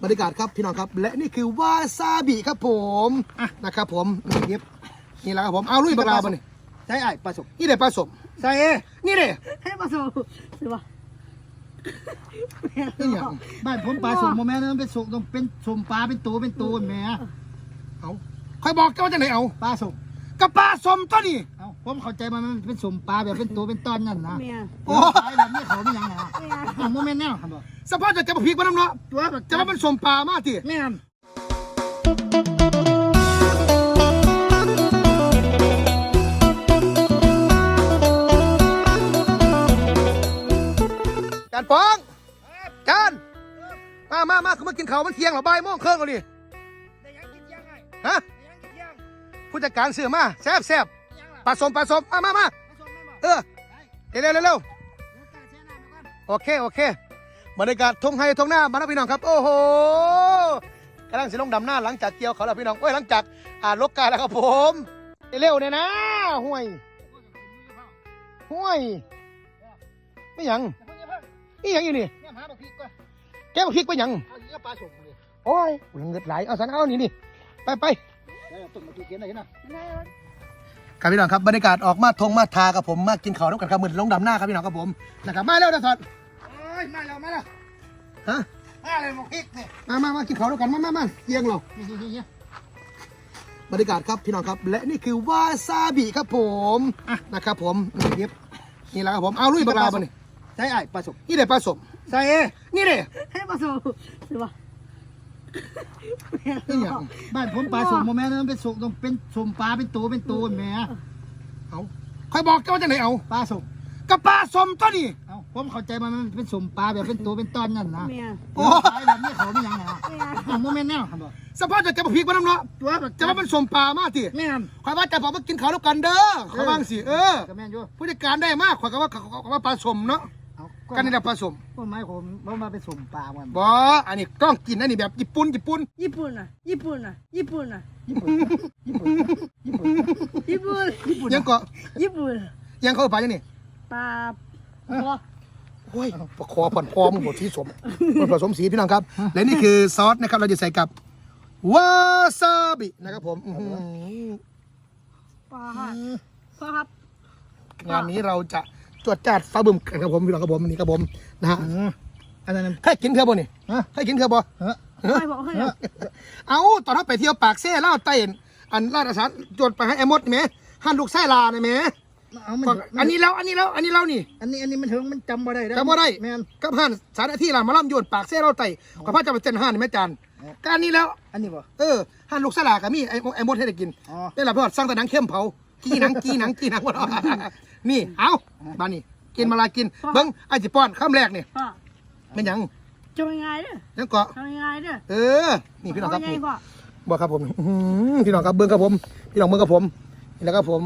บรรยากาศครับพี่น้องครับและนี่คือวาซาบิครับผมนะครับผมนี่แหละครับผมเอาลุยปลาบ่นี่ใช่ไอ้ปลาสมนี่เด็ดปลาสมใช่นี่เด็ดให้ปลาสมสิวะนี่อย่างบ้านผมปลาสมโมแม่นั่นเป็นสมต้องเป็นสมปลาเป็นตัวแม่เอาใครบอกเจ้าจะไหนเอาปลาสมกับปลาสมตัวนี้เอาผมเข้าใจมันเป็นสมปลาแบบเป็นตัวเป็นตอนนั่นนะโอ้ยแบบนี้เขาไม่ยังไงโมเมนต์แน่ครับบอกสภาพจะมาพริกมาน้ำเนาะจะมาเป็นสมปลามากทีแม่จานปองจานมาคือมากินข้าวมันเที่ยงหรอบ่ายโมงครึ่งเอาดิฮะผู้จัดการเสือมาแซ่บปลาสมมาเร็วโอเคบรรยากาศทงไฮทงหน้ามาแล้วพี่น้องครับโอ้โหกำลังสิลงดำหน้าหลังจากเกี่ยวเขาแล้วพี่น้องหลังจากลกกาแล้วครับผมเร็วเนี่ยนะห่วยไม่ยังอยู่นี่แกมาพริกไปยังโอ้ยเงินไหลเอาสันเอานี่ไปครับพี่น้องครับบรรยากาศออกมาทงมาทากับผมมากินข้าวน้ำกันครับเหมือนลงดำหน้าครับพี่น้องครับผมนะครับมาเร็วนะสอนมาแล้วฮะมาเลยมาพริกเนี่ยมากินข้าวด้วยกันมาเยี่ยงเราบรรยากาศครับพี่น้องครับและนี่คือวาซาบิครับผมนะครับผมนี่แหละครับผมเอาลุยปลาบ่นี่ใช่ไอ้ปลาสมนี่เด็ดปลาสมใช่นี่เด็ดให้ปลาสมสิวะนี่อย่างบ้านผมปลาสมโมแม่นั่นเป็นสมต้องเป็นสมปลาเป็นตัวแม่เอาใครบอกเจ้าจะไหนเอาปลาสมกับปลาสมตัวนี้เอาผมเข้าใจมันเป็นสมปลาแบบเป็นตัวเป็นตอนนั่นนะโอ้ยแบบนี้เขาไม่ยังไงโมเมนต์แน่ครับบอกสภาพจะมาพริกมาน้ำเนาะจะมาเป็นสมปลามากทีแม่ใครว่าจะบอกมากินข้าวด้วยกันเด้อเขาบ้างสิผู้จัดการได้มากขวัญว่าปลาสมเนาะกันนี่แหละปลาสมก็หมายผมมาเป็นสมปลาวันบ่อันนี้ต้องกินอันนี้แบบญี่ปุ่นยังก็ยังเขาปลาอย่างนี้ปลาโอ้ยปลาคอผ่อนคอมึงบดสีสมผสมสีพี่น้องครับและนี่คือซอสนะครับเราจะใส่กับวาซาบินะครับผมปลาครับงานนี้เราจะจวดจัดฟ้าบึ้มกันครับผมพี่น้องครับผมนี่ครับผมนะฮะอันนั้นใครกินเคือบ่นี่ใครกินเคือบ่เอาตอนเราไปเที่ยวปากเซ่เล่าไต้อันลาดอาสาจวดไปให้ไอ้มดไหมหั่นลูกไส้ลาเนี่ยไหมอันนี้แล้วนี่อันนี้มันถึงมันจำบ่ได้แม่นกับหั่นสารที่ลามาล่ำโยนปากเซ่เล่าไต้กับพระเจ้าเป็นเจนหั่นแม่จานการนี้แล้วอันนี้บ่หั่นลูกไส้ลากับมีไอ้มดให้ได้กินได้ละเพื่อนสร้างแต่หนังเข้มเผากี้หนังหมดนี่เอาบ้านนี่กินมาลากินเบิ้งไอ้จิป้อนข้ามแรกนี่เป็นยังจะยังไงเนี่ยยังเกาะยังไงเนี่ยนี่พี่น้องครับบอกครับผมพี่น้องครับเบิ้งครับผมพี่น้องเบิ้งครับผมนี่แล้วครับผม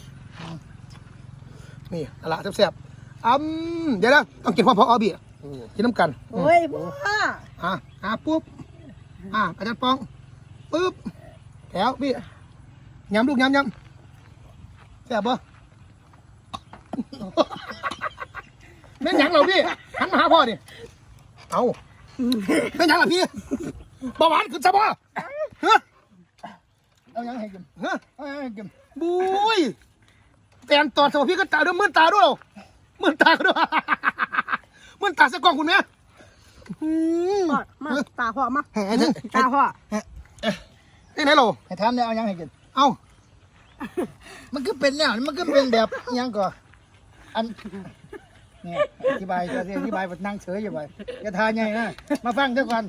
นี่ละแซ่บเดี๋ยวนะต้องกินความพออบีกินน้ำกันโอ้ยพ่อปุ๊บอาจารย์ปองปุ๊บแถวพี่ยำลูกยำแซ่บบ่แม่นยังเหรอพี่หันมาหาพ่อดิเอาแม่นยังเหรอพี่เบาหวานขึ้นซะบ่เอายังให้กินเอายังให้กินบุ้ยแตนตอดสมพี่ก็ตาด้วยมื่นตาด้วยมื่นตาด้วยมื่นตาสะกองคุณแม่มาตาพ่อมาตาพ่อนี่ไหนโลให้ทำเนี่ยเอายังให้กินเอามันก็เป็นเนี่ยมันก็เป็นแบบยังก่อนอันเนี่ยอธิบายนั่งเฉยอยู่ไปจะทานยังไงนะมาฟังเดี๋ยวก่อน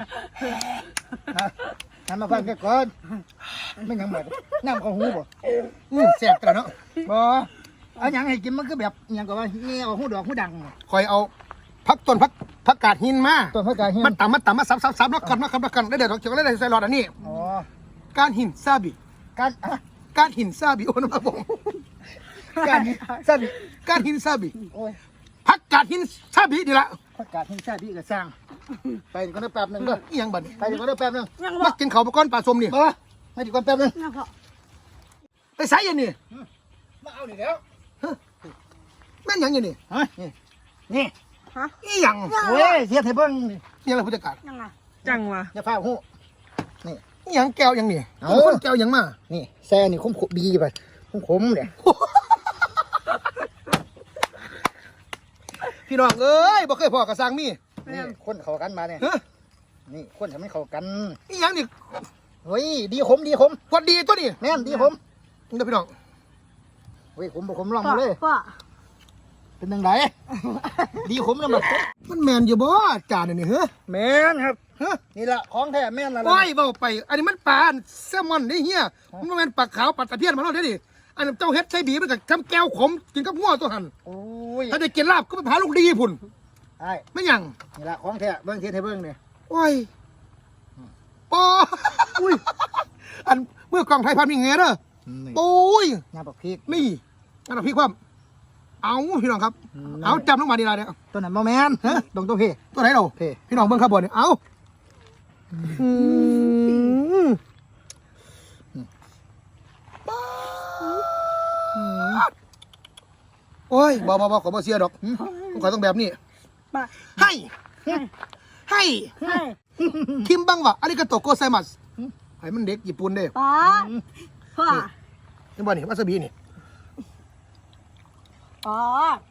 มาฟังเดี๋ยวก่อนไม่ยังหมดน้ำข้าวหูบ่แซ่บกันเนาะบ่เอายังให้กินมันก็แบบยังก่อนว่าเนี่ยเอาหูดอกหูดังคอยเอาผักกาดหินมาต้นผักกาดหินมันต่ำมาซับแล้วกันได้เดี๋ยวเราจะได้ใส่หลอดอันนี้การหินซาบิการหินซาบิโอ้นะครับผมการหินซาบิผักกาดหินซาบิดีละผักกาดหินซาบิก็สร้างไปก็ได้แป๊บนึงก็ยังบัดไปก็ได้แป๊บนึงมากินข้าวก้อนปลาส้มนี่ไม่ดีกว่าแป๊บนึงไปใส่ยังนี่มาเอานี่แล้วแม่นยังยังนี่นี่ยังโอ้ยเสียเทเบิ้งนี่อะไรผู้จัดการจังวะอย่าฟ้าหูนี่อิหยังแก้วอิหยังนี่เอาคนแก้วอิหยังมานี่แซ่นี่ขมบีไปขมเนี่ยพี่น้องเอ้ยบ่เคยพอกระซังมีนี่คนเข้ากันมาเนี่ยฮะนี่คนทำให้เข้ากันอิหยังนี่เฮ้ยดีขมพอดีตัวนี้แม่นดีขมเด้อพี่น้องเฮ้ยขมบ่ขมลองพ่อมาเลยพ่อเป็นยังไงดีขมแล้วมันมันแมนอยู่บ่จานนี่เฮ้อแม่นครับฮะนี่ละของแท้แม่นละโอ้ยเบาไป อันนี้มันปลาแซลมอนนี่เฮียมันบ่แม่นปลาขาวปลาตะเพียนมาแล้วเด้อดิอันนั้นเจ้าเฮ็ดใส่บีมันก็ทำแก้วขมกินกับหัวตัวหันโอ้ยถ้าได้กินลาบก็ไปพาลูกดีพุ่นไอ้ไม่หยังนี่ละของแท้เบิ่งเทียนให้เบิ่งเนี่ยโอ้ยปออุ้ยอันเมื่อกล่องไทยพันมีเงี้ยเด้อโอ้ยน้ำปักพริกนี่อันนั้นพี่ความเอาพี่น้องครับ เอาจำลงมาดีละเนี่ยตัวนั้นบ่แม่นฮะตรงตัวพี่ตัวไหนเราพี่พี่น้องเบิ่งข้าวบนเนี่ยเอาโอ้ยบ่ขอบ่เสียดอกผมขอต้องแบบนี้ป้าให้ให้ให้ให้คิมบังวะอาริกาโตโกไซมัสให้มันเด็กญี่ปุ่นเด้ป้าพ่อนี่บ่นี่วาซาบินี่อ๋อ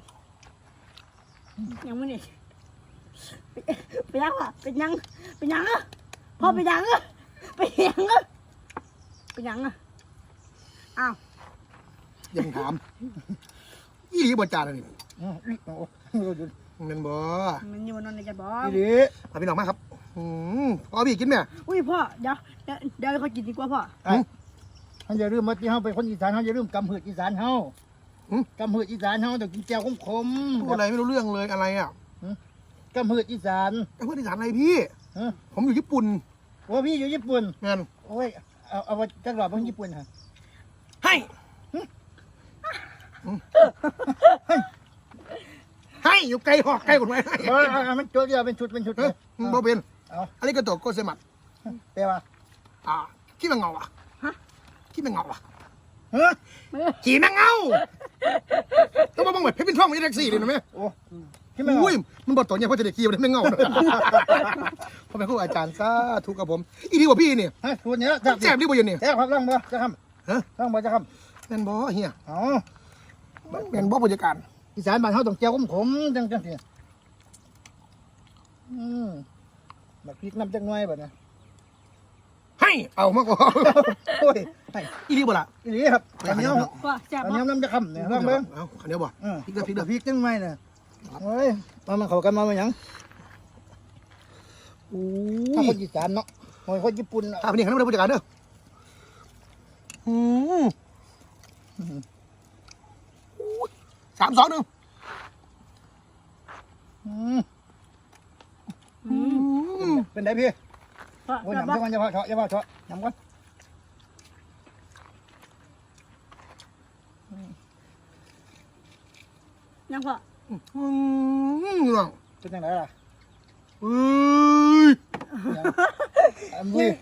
ยังไม่นี่ไปยังอ่ะไปยังอ่ะพ่อไปยังอ่ะไปยังอ่ะไปยังอ่ะอ้าวยังถามอีหลีบ่จานอันนี่โอ้เงินบ่มันอยู่นอนในกระบอกดีเอาพี่น้องมาครับพอพี่กินแม่อุ้ยพ่อเดี๋ยวเขากินดีกว่าพ่อไอ้เฮาอย่าลืมว่าที่เฮาเป็นคนอีสานเฮาอย่าลืมกำหืดอีสานเฮากำหืดอีสานเฮาต้องกินแจ่วขมพูดอะไรไม่รู้เรื่องเลยอะไรอ่ะกำหืดอีสานไอ้เพื่อนอีสานอะไรพี่ฮะผมอยู่ญี่ปุ่นโอ้พี่อยู่ญี่ปุ่นงานโอ้ยเอาว่าจักรอบเบิ่งญี่ปุ่นฮะให้ให้อยู่ไกลหอกไกลกว่าไหมให้เอามันตัวเดียวเป็นชุดเฮ้ยบ่เป็นเอาอาริกาโตโกไซมัสแปลว่าขี้แมงเงาอ่ะขี้แมงเงาอ่ะฮะขี้แมงเงาต้องมาบังเวทเพชรเป็นท่องไม่ได้แท็กซี่เลยนะแม่โอ้ที่มันอุ้ยมันบอกตัวเนี่ยเพราะจะได้ขี้มันไม่เงาเพราะเป็นครูอาจารย์ซะถูกกับผมอีดีกว่าพี่นี่ฮะชุดเนี้ยแซ่บดีกว่าเย็นนี่แซ่บครับลองบ่จะทฮะำลองบ่จะทแม่นบ่เฮียำอ๋อแม่นบ่ผู้จัดการอีสานบ้านเฮาต้องแจ่วขมๆจังซี่บักพริกน้ำจักหน่อยบัดนี้ให้เอามากกว่าโอ้ยให้อีดีบ่ล่ะอีหลีครับอันนี้พ่อแซ่บอันพ่นี้อน้ำจะคำเนี่ยลองเบิ่งเอาอันเดียวบ่พริกพริกจังหน่อยน่ะโอ้ยมันเข้ากันมาหยังโอ้ถ้าย คนอีสานเนาะโอ้ยคนญี่ปุ่นถ้าเป็นอย่างนั้นไม่ได้ผู้จัดการเด้อ3 2 1 เป็นไดพี่พ่อโอ้ยแซ่บยำพ่อจังวันอย่าพอเถาะอย่าพอเถาะยำก่อนยังพ่อน้องเป็นจังไดล่ะเอ้ยอันนี้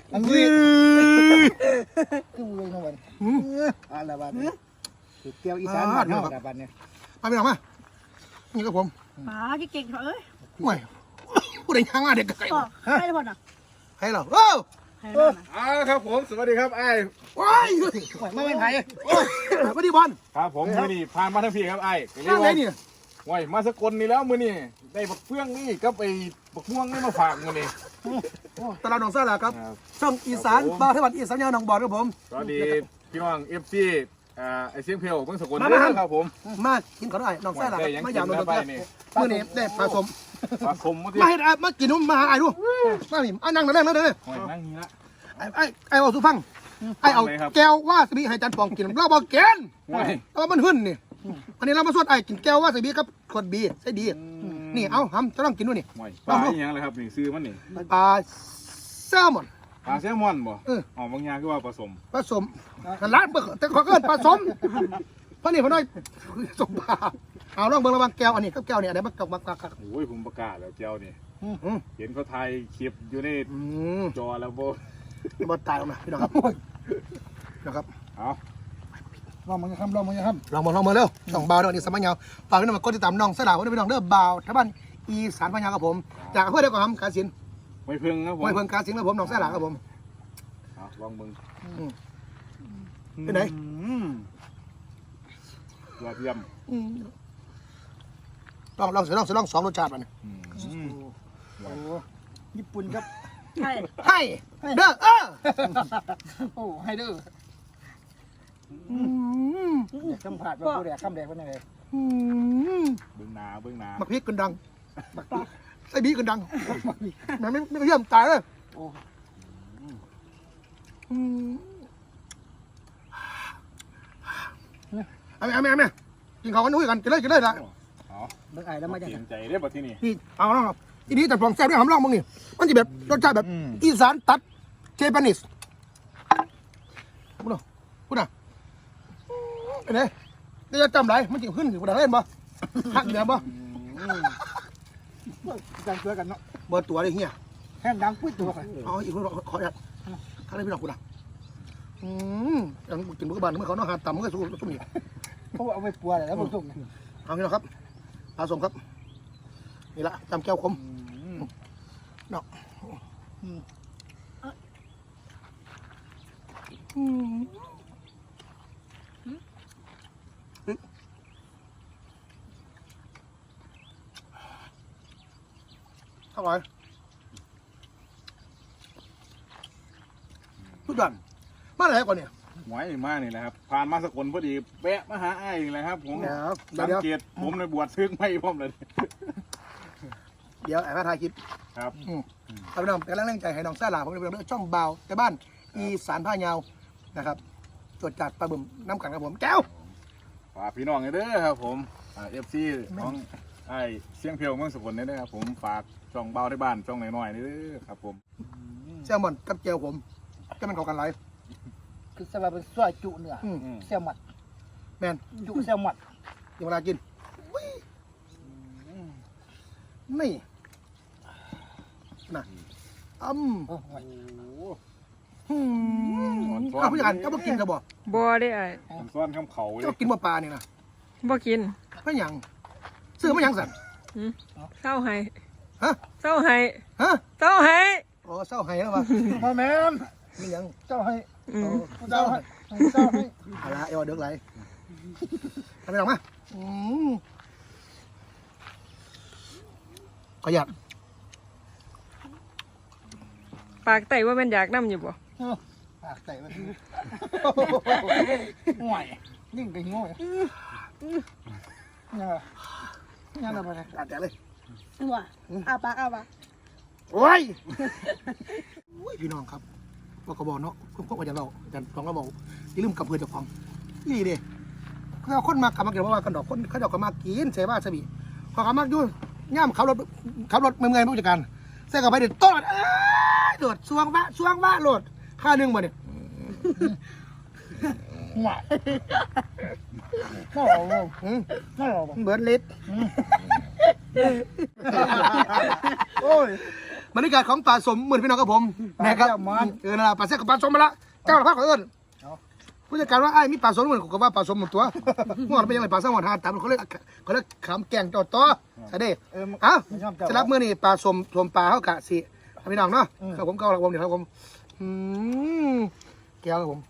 คือมือน้องวันอะไรบ้างเกี่ยวอีสานบ้านเฮาบ้านเนี่ยมาพี่น้องมานี่ครับผมป้าเก่งๆเอ้ยไม่ผู้ใดย่างมาเด็กไก่พ่อให้พ่อน่ะให้เราโอ้ให้พ่อน่ะครับผมสวัสดีครับไอ้ว้ายไม่เป็นไผสวัสดีบอลครับผมมือนี่ผ่านมาทั้งพี่ครับไอ้ก็เรียข้างกไหนว่านี่ไว้มาสกลนี่แล้วมือนี่ได้บักเฟื่องนี่ก็ไปบักม่วงนี่มาฝากมือนี่ตลาดหนองซ่าแหละครับครับช่องอีสานบาร์เทวันอีสานยาวหนองบอดครับผมสวัสดีพี่น้องเอฟซีไอเสียงเพลเมืองสกลมาด้วยครับผมมากินขอหน่อยหนองซ่าแหละได้ยังมากิอย่างนหนองแล้วซ่าไปนี่มื่อนี้ได้ปลาสมปลาคมมาที่มาเห็ดมากินนุ่มมาหาไอ้ดูมาหนิไอ้นั่งนั่งนั่งนั่งหอยนั่งนี่ละไอ้เอาสุฟังไอ้เอาอะไรครับแก้วว่าสบีให้จันปองกินเราบอกกินหอยเอามันหึ่นนี่อันนี้เรามาสวดไอ้กินแก้วว่าสบีกับขวดบีใส่ดีนี่เอาทำจะต้องกินด้วยนี่หอยปลาอีหยังเลยครับนี่ซื้อมันนี่ปลาแซลมอนปลาแซลมอนบ่เอออ๋อบางอย่างคือว่าผสมผสมกันร้านเบิกแต่ขอเกินผสมเพราะนี่พอน้อยสมปลาเอาลองเบิ่งระวังแก้วอันนี้กับแก้วเนี่ยอันไหนมันกับโอ้ยผมประกาศแล้วเจ้านี่เห็นเขาถ่ายคลิปอยู่ในจอแล้วบ่บอตายออกมาพี่น้องครับนะครับเอาลองมันจะทำลองมันจะทลองมาเร็วช่องเบาเด้อนี่สมัยยาวฝากพี่น้องมากดติดตามน้องสลาวไว้ด้วยพี่น้องเด้อเบาท่าบ้านอีสานพญากับผมจากอำเภอเดียวกับผมกาฬสินธุ์ไม่เพิ่งครับผมห้วยเพิ่งกาสิงครับผมหนองแซ่หลาครับผมเอาลองเบิ่งเป็นไหนยอดเยี่ยมลองสองรสชาติมันโอ้ญี่ปุ่นครับใช่ให้เด้อโอ้ให้ดื้ออยากสัมผัสว่าผู้แดกคำแดกเป็นยังไงเบิ่งหนาเบิ่งหนามักพริกกันดังไส้บีกันดังแม่ไม่เยี่ยมตายเลยโอ้เอาแม่กินข้าวกันนุ้ยกันกินเลยนะเอาเบิ่งไอ้แล้วมาจากเปไหลี่นยนใจได้ป่ะที่นี่นี่เอาแล้วครับทีนี้แต่ฟองแซ่บด้วยหำล่องมึงนี่มันจะแบบรสชาติแบบอีสานตัดเจแปนิสพูดน่ะเป็นไงนี่จะจำไรมันจะขึ้นอยู่บนเล่นบ่หักเดียวบ่กันช่วยกันเนาะเบอร์ตัวเลยเฮียแห้งดังปุ้ยตัวกันเอาอีกคนขออยากข้าได้พี่น้องกูนะยังกินบุกบานเมื่อเขาเนาะหาต่ำเมื่อสู้สู้นี่เพราะว่าเอาไปปัวแล้วมันส่งเอาพี่น้องครับปลาสมครับนี่ละจำแก้วคมเนาะอร่อยทุกอย่างมาอะไรก่อนเนี่ยหวยมานี่แหละครับผ่านมาสกลพอดีแวะมาหาไอ้นี่แหละครับผมเดี๋ยวสังเกตผมในบวชซึกไม่พร้อมเลยเดี๋ยวไอ้พระทายคลิปครับเอาไปน้องกำลังแรงใจให้น้องซ่าหลาผมเป็นเรื่องช่องเบาแต่บ้านอีสานผ้ายาวนะครับตรวจจัดปลาบึมน้ำกันครับผมแก้วฝากพี่น้องเด้อครับผมFC ของไอ้เสียงเพียวเมืองสกลนี่นะครับผมฝากช่องเบาในบ้านช่องน้อยๆนี่เด้อครับผมแซลมอนกับเจียวผมจะมันเข้ากันไรคือสบายเป็นสวยจุเนื้อแซลมอนแมนจุแซลมอนเดี๋ยวเวลากินนี่นะโอ้เอาผู้จัดการเจ้าบ่กินกับบ่บ่ได้ไอ้ผมซ้อนคำเขาเลเจ้าย กินบ่ปลาเนี่ยนะบ่กินไม่หยังซื้อไม่หยังสั่นเศร้าให้ฮะเศร้าให้ฮะเศร้าให้อ๋อเศร้าไห้แล้ววะมาแม่นไม่หยังเจ้าให้อืมเจ้าให้เจ้าให้เอาละเอวเดือกไหลทำไปหรอกมาขยับปากไตว่ามันอยากน้ำอยู่บ่ปากใส่มันห่วยยิ่งไปง่วยเนี่ยอะไรไปตัดแต่เลยหัวเอาปากโอ้ยพี่น้องครับบอกกระบอกเนาะพวกอาจารย์เราอาจารย์สองกระบอกอย่าลืมกับเพื่อนเจ้าของนี่ดิเขาคนมากลับมาเกี่ยวว่ากันดอกคนเขาเจ้าก็มากินเสบ้าสบีพอกลับมาอยู่ย่ำขับรถเมื่อยผู้จัดการใส่กับไปเด็ดต้นโดดช่วงบ้าโหลดค่าหนึ่งมาเนี่ยห่วยน่ารักน่ารักเบิร์ดลิสโอ้ยบรรยากาศของป่าสมเหมือนพี่น้องกับผมนะครับนั่นแหละป่าแซ่กับป่าสมมาละเจ้าละพักเอิญผู้จัดการว่าไอ้มีป่าสมเหมือนกับว่าป่าสมหมดตัวเมื่อวานเป็นยังไงป่าสมหมดหาตามเขาเรียกขำแกงจอดต่อใช่ดิเอ้าจะรับเมื่อนี่ป่าสมป่าเขากะสิพี่น้องเนาะครับผมเก้าละวงเดี๋ยวครับผมแก้วครับผม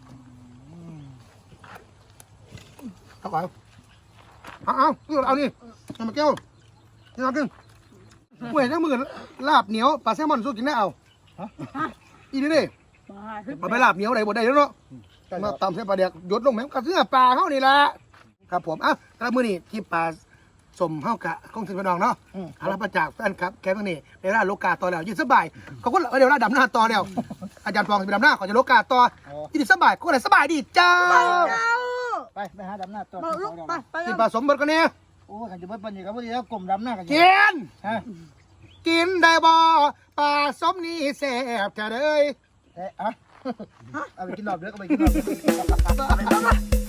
เอาไปเอานี่มาแก้วนี่เอาขึ้นเว้ยทั้งมือลาบเหนียวปลาแซลมอนสู้กินได้เอาอีนี่ดิมาไปลาบเหนียวไหนบ่ได้แล้วเนาะมาตำเส้นปลาเดียกหยดลงแม่งกระเสื้อปลาเขานี่แหละครับผมอ่ะแล้วมือนี่ที่ปลาสมเฮากะคงถึงพี่น้องเนาะอารับมาจากแฟนครับแค่ตรงนี้ในร้านโลกาต่อแล้วยืนสบายเขาก็เดี๋ยวร้านดำหน้าต่อแล้วอาจารย์ฟองไปดำหน้าก่อนจะโลกาต่อยืนสบายก็เลยสบายดีจ้าไปหาดำหน้าตัวลูกไปกินปลาสมเบิดกันเนี่ยโอ้ขันจะเบิ้ลปันยี่ครับพอดีแล้วกลมดำหน้ากันกินฮะกินได้บ่ปลาสมนี่แซ่บจะเลยเอาไปกินรอบเด้อก็ไปกินรอบ